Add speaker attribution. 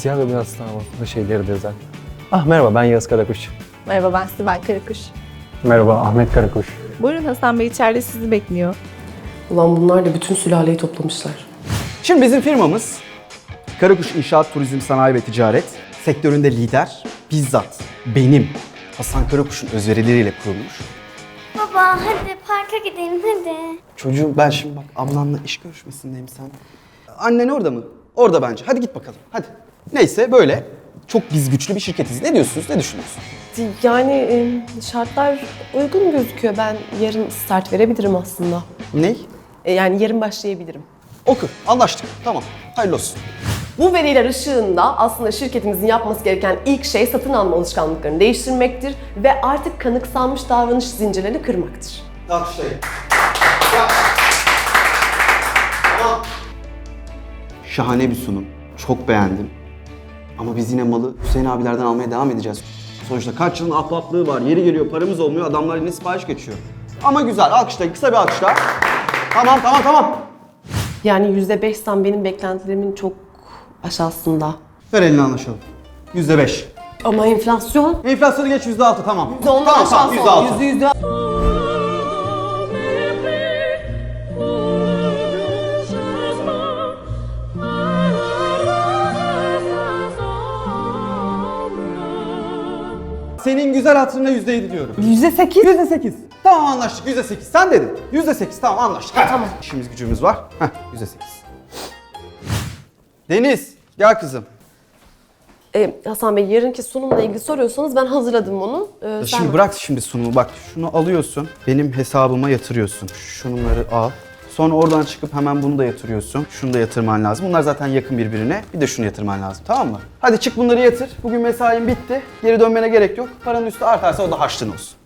Speaker 1: siyah ve beyaz tamamen şeyleri de özel. Ah merhaba, ben Yağız Karakuş.
Speaker 2: Merhaba, ben Sibel Karakuş.
Speaker 1: Merhaba, Ahmet Karakuş.
Speaker 2: Buyurun, Hasan Bey içeride sizi bekliyor.
Speaker 3: Ulan bunlar da bütün sülaleyi toplamışlar.
Speaker 4: Şimdi bizim firmamız Karakuş İnşaat, Turizm, Sanayi ve Ticaret sektöründe lider, bizzat benim Hasan Karakuş'un özverileriyle kurulmuş.
Speaker 5: Baba hadi parka gidelim hadi.
Speaker 4: Çocuğum ben şimdi bak ablanla iş görüşmesindeyim sen. Annen orada mı? Orada bence. Hadi git bakalım. Hadi. Neyse böyle çok biz güçlü bir şirketiz. Ne diyorsunuz? Ne düşünüyorsunuz?
Speaker 3: Yani şartlar uygun gözüküyor. Ben yarın start verebilirim aslında.
Speaker 4: Ney?
Speaker 3: Yani yarın başlayabilirim.
Speaker 4: Oku. Anlaştık. Tamam. Hayırlı olsun.
Speaker 3: Bu veriler ışığında aslında şirketimizin yapması gereken ilk şey satın alma alışkanlıklarını değiştirmektir ve artık kanıksanmış davranış zincirlerini kırmaktır.
Speaker 4: Alkışlayın. Şahane bir sunum. Çok beğendim. Ama biz yine malı Hüseyin abilerden almaya devam edeceğiz. Sonuçta kaç yılın ahbaplığı var. Yeri geliyor paramız olmuyor. Adamlar yine sipariş geçiyor. Ama güzel. Alkışlayın. Kısa bir alkışla. Tamam.
Speaker 3: Yani %5'ten benim beklentilerimin çok aşağısında.
Speaker 4: Ver elini anlaşalım. %5.
Speaker 3: Ama enflasyon
Speaker 4: Enflasyonu geç %6 tamam.
Speaker 3: %10'dan
Speaker 4: Tamam
Speaker 3: aşağısı
Speaker 4: %6.
Speaker 3: %100.
Speaker 4: Senin güzel hatırına %7 diyorum.
Speaker 3: %8.
Speaker 4: %8. Tamam anlaştık %8. Sen dedin. %8 tamam anlaştık. Tamam. İşimiz gücümüz var. Heh %8. Deniz gel kızım.
Speaker 3: Hasan Bey yarınki sunumla ilgili soruyorsanız ben hazırladım onu.
Speaker 4: Şimdi bırak şimdi sunumu bak. Şunu alıyorsun. Benim hesabıma yatırıyorsun. Şunları al. Sonra oradan çıkıp hemen bunu da yatırıyorsun. Şunu da yatırman lazım. Bunlar zaten yakın birbirine. Bir de şunu yatırman lazım. Tamam mı? Hadi çık bunları yatır. Bugün mesain bitti. Geri dönmene gerek yok. Paranın üstü artarsa o da harçlığın olsun.